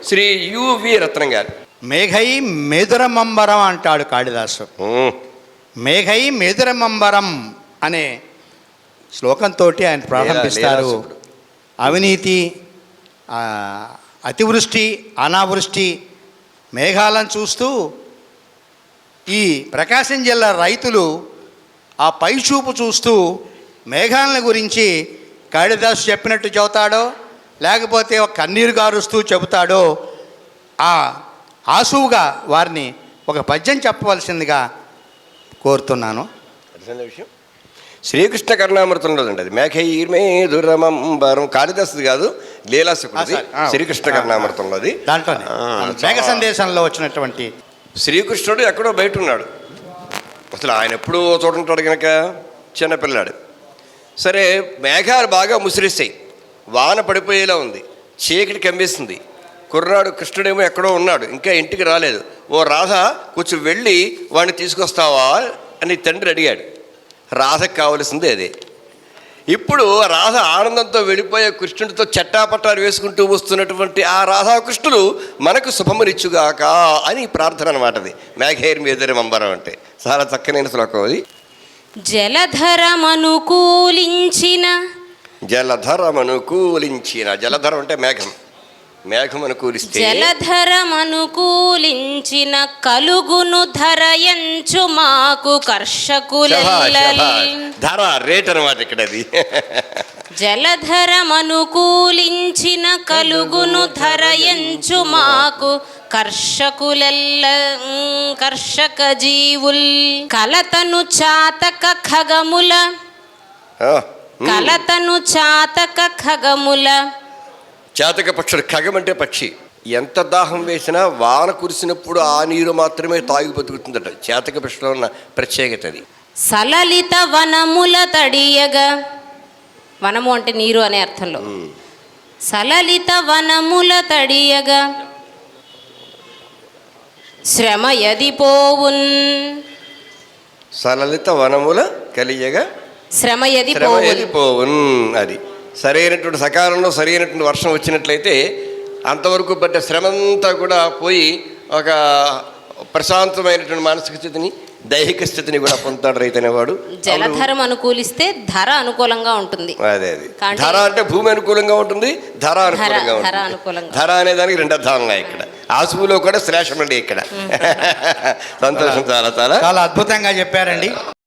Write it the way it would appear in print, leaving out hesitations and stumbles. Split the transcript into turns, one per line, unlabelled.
Shri UV రత్నం గారు.
మేఘై మేదురమంబరం అంటాడు కాళిదాసు. మేఘై మేదురమంబరం అనే శ్లోకంతో ఆయన ప్రారంభిస్తారు. అవినీతి, అతివృష్టి, అనావృష్టి మేఘాలను చూస్తూ ఈ ప్రకాశం జిల్లా రైతులు ఆ పైచూపు చూస్తూ మేఘాలను గురించి కాళిదాసు చెప్పినట్టు చెబుతాడో లేకపోతే ఒక కన్నీరు గారుస్తూ చెబుతాడో ఆ ఆసువుగా వారిని ఒక పద్యం చెప్పవలసిందిగా కోరుతున్నాను.
విషయం శ్రీకృష్ణ కర్ణామృతంలో అండి. అది మేఘైర్మేదురమంబరం కాళిదాసుది కాదు, లీలాసుకుడిది. శ్రీకృష్ణ కర్ణామృతంలోది.
దాంట్లోనే మేఘ సందేశంలో వచ్చినటువంటి
శ్రీకృష్ణుడు ఎక్కడో బయట ఉన్నాడు. అసలు ఆయన ఎప్పుడూ చూడంటాడు కనుక చిన్నపిల్లాడు. సరే, మేఘాలు బాగా ముసిరిస్తాయి, వాన పడిపోయేలా ఉంది, చీకటి కమ్మేసింది. కుర్రాడు కృష్ణుడేమో ఎక్కడో ఉన్నాడు, ఇంకా ఇంటికి రాలేదు. ఓ రాధ కొంచెం వెళ్ళి వాడిని తీసుకొస్తావా అని తండ్రి అడిగాడు. రాధకు కావలసింది అదే. ఇప్పుడు రాధ ఆనందంతో వెళ్ళిపోయే కృష్ణుడితో చట్టాపట్టాలు వేసుకుంటూ వస్తున్నటువంటి ఆ రాధాకృష్ణులు మనకు శుభమునిచ్చుగాక అని ప్రార్థన అనమాట. అది మేఘైర్మేదురమంబరం అంటే చాలా చక్కనైన శ్లోకం అది.
జలధరమనుకూలించిన
జలధరం అంటే మేఘం. మేఘం అనుకూలిస్తే
జలధరమనుకూలించిన కలుగును ధరయంచు మాకు కర్షకులెల్లల్.
ధర రేట్ అనమాట ఇక్కడ. అది
జలధరమనుకూలించిన కలుగును ధరయంచు మాకు కర్షకులెల్ల కర్షక జీవుల్ కలతను చాతక ఖగముల కలతను చాతక ఖగముల.
చాతక పక్షుడు, ఖగం అంటే పక్షి. ఎంత దాహం వేసినా వాన కురిసినప్పుడు ఆ నీరు మాత్రమే తాగి బతుకుతుందట. చాతక పక్షిలో ఉన్న ప్రత్యేకత అది.
సలలిత వనముల తడియగా, వనము అంటే నీరు అనే అర్థంలో, సలలిత వనముల తడియగా శ్రమ ఎది పోవున్.
సలలిత వనముల కలియగా
శ్రమ ఎది
పోవున్. అది సరైనటువంటి సకాలంలో సరైనటువంటి వర్షం వచ్చినట్లయితే అంతవరకు పడ్డ శ్రమంతా కూడా పోయి ఒక ప్రశాంతమైనటువంటి మానసిక స్థితిని, దైహిక స్థితిని కూడా పొందుతాడు రైతు అనేవాడు.
జలధరం అనుకూలిస్తే ధర అనుకూలంగా ఉంటుంది.
అదే అది. ధర అంటే భూమి అనుకూలంగా ఉంటుంది, ధర అనుకూలంగా ఉంటుంది. ధర అనే దానికి రెండు అర్థాలు ఉన్నాయి ఇక్కడ. ఆసుపులో కూడా శ్లేషం అండి ఇక్కడ. సంతోషం. చాలా చాలా
చాలా అద్భుతంగా చెప్పారండి.